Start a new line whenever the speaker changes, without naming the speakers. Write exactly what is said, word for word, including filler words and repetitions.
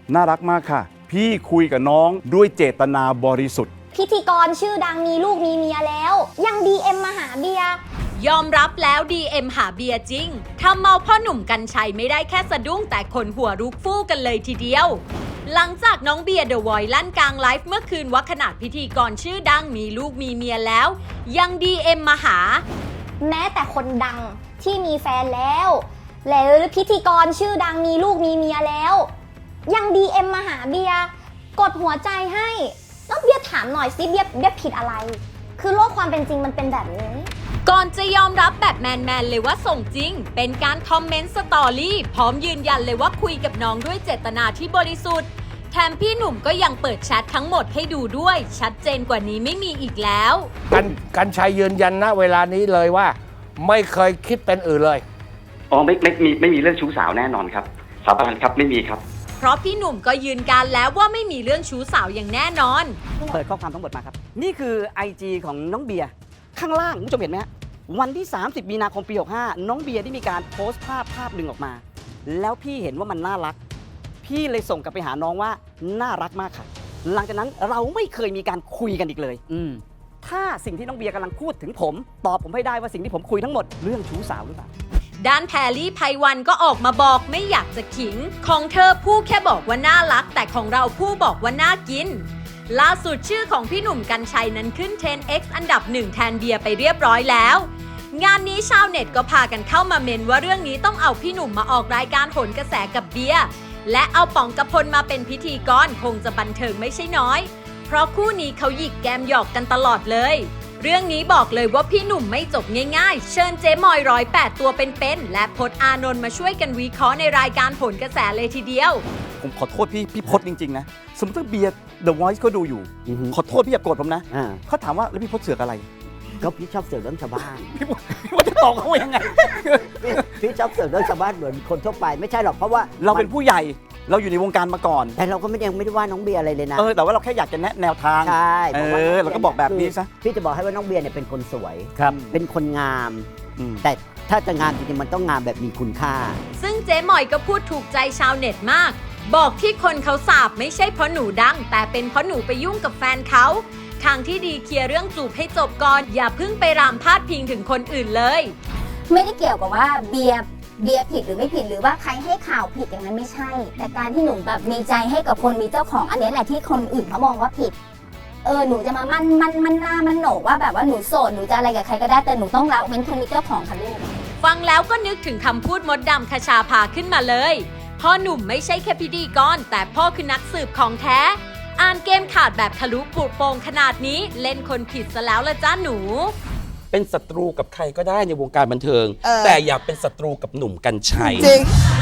น่ารักมากค่ะพี่คุยกับน้องด้วยเจตนาบริสุทธิ์
พิธีกรชื่อดังมีลูกมีเมียแล้วยัง ดี เอ็ม มาหาเบียร์
ยอมรับแล้ว ดี เอ็ม หาเบียร์จริงทำเมาพ่อหนุ่มกรรชัยไม่ได้แค่สะดุ้งแต่คนหัวรุกฟู่กันเลยทีเดียวหลังจากน้องเบียร์เดอะวอยซ์ลั่นกลางไลฟ์เมื่อคืนว่าขนาดพิธีกรชื่อดังมีลูกมีเมียแล้วยัง ดี เอ็ม มาหา
แม้แต่คนดังที่มีแฟนแล้วแล้วพิธีกรชื่อดังมีลูกมีเมียแล้วยัง ดี เอ็ม มาหาเบียร์กดหัวใจให้แล้วเบียร์ถามหน่อยสิเบียร์เบียร์ผิดอะไรคือโลกความเป็นจริงมันเป็นแบบนี้
ก่อนจะยอมรับแบบแมนๆเลยว่าส่งจริงเป็นการคอมเมนต์สตอรี่พร้อมยืนยันเลยว่าคุยกับน้องด้วยเจตนาที่บริสุทธิ์แถมพี่หนุ่มก็ยังเปิดแชททั้งหมดให้ดูด้วยชัดเจนกว่านี้ไม่มีอีกแล้ว
กันกันชัยยืนยันณเวลานี้เลยว่าไม่เคยคิดเป็นอื่นเลย
อ๋อไม่ไม่มีไม่มีเรื่องชู้สาวแน่นอนครับสาบานครับไม่มีครับ
เพราะพี่หนุ่มก็ยืนการแล้วว่าไม่มีเรื่องชู้สาวอย่างแน่นอน
เปิดข้อความทั้งหมดมาครับนี่คือ ไอ จี ของน้องเบียร์ข้างล่างคุณผู้ชมเห็นไหมฮะวันที่สามสิบมีนาคมปีหกห้าน้องเบียร์ได้มีการโพสต์ภาพภาพหนึ่งออกมาแล้วพี่เห็นว่ามันน่ารักพี่เลยส่งกลับไปหาน้องว่าน่ารักมากค่ะหลังจากนั้นเราไม่เคยมีการคุยกันอีกเลยอืถ้าสิ่งที่น้องเบียร์กำลังพูดถึงผมตอบผมให้ได้ว่าสิ่งที่ผมคุยทั้งหมดเรื่องชู้สาวหรือเปล่า
ด้านแพรรี่ไพวันก็ออกมาบอกไม่อยากจะขิงของเธอผู้แค่บอกว่าน่ารักแต่ของเราผู้บอกว่าน่ากินล่าสุดชื่อของพี่หนุ่มกรรชัยนั้นขึ้น เทรนด์ เอ็กซ์ อันดับหนึ่งแทนเบียร์ไปเรียบร้อยแล้วงานนี้ชาวเน็ตก็พากันเข้ามาเมนว่าเรื่องนี้ต้องเอาพี่หนุ่มมาออกรายการโหนกระแสกับเบียร์และเอาป๋องกพลมาเป็นพิธีกรคงจะบันเทิงไม่ใช่น้อยเพราะคู่นี้เขาหยิกแกมหยอกกันตลอดเลยเรื่องนี้บอกเลยว่าพี่หนุ่มไม่จบง่ายๆเชิญเจ๊มอยร้อยแปดตัวเป็นๆและพจน์อานนท์มาช่วยกันวิเคราะห์ในรายการโหนกระแสเลยทีเดียว
ผมขอโทษพี่พี่พจน์จริงๆนะสมมติถ้าเบียร์ The Voice เขาดูอยู่ขอโทษพี่อย่าโกรธผมนะเขาถามว่าแล้วพี่พจน์เสือกอะไร
ก็พี่ชอบเสือกเรื่องชาวบ้าน
พี่พจน์จะตอบเขาว่ายังไง
พี่ชอบเสือกเรื่องชาวบ้านเหมือนคนทั่วไปไม่ใช่หรอกเพราะว่า
เราเป็นผู้ใหญ่เราอยู่ในวงการมาก่อน
แต่เราก็ไม่ยังไม่ได้ว่าน้องเบียร์อะไรเลยนะ
เออแต่ว่าเราแค่อยากจะแนะแนวทาง
ใช่
เออเราก็บอกแบบนี้ซะ
พี่จะบอกให้ว่าน้องเบียร์เนี่ยเป็นคนสวย
ครับ
เป็นคนงามแต่ถ้าจะงามจริงๆมันต้องงามแบบมีคุณค่า
ซึ่งเจ๊หมอยก็พูดถูกใจชาวเน็ตมากบอกที่คนเขาสาบไม่ใช่เพราะหนูดังแต่เป็นเพราะหนูไปยุ่งกับแฟนเขาทางที่ดีเคลียร์เรื่องจูบให้จบก่อนอย่าเพิ่งไปรามพาดพิงถึงคนอื่นเลย
ไม่ได้เกี่ยวกับว่าเบียร์เบียร์ผิดหรือไม่ผิดหรือว่าใครให้ข่าวผิดอย่างนั้นไม่ใช่แต่การที่หนูแบบมีใจให้กับคนมีเจ้าของอันนี้แหละที่คนอื่นเขามองว่าผิดเออหนูจะมามั่นมั่นมั่นหน้ามั่นโหนกว่าแบบว่าหนูโสดหนูจะอะไรกับใครก็ได้แต่หนูต้องละเว้นคนมีเจ้าของค่ะลูก
ฟังแล้วก็นึกถึงคำพูดมดดำคชาภาขึ้นมาเลยพ่อหนุ่มไม่ใช่แค่พิธีกรแต่พ่อคือนักสืบของแท้อ่านเกมขาดแบบทะลุปูดโป่งขนาดนี้เล่นคนผิดซะแล้วละจ้าหนู
เป็นศัตรูกับใครก็ได้ในวงการบันเทิงแต่อย่าเป็นศัตรูกับหนุ่มกรรชัย
จริง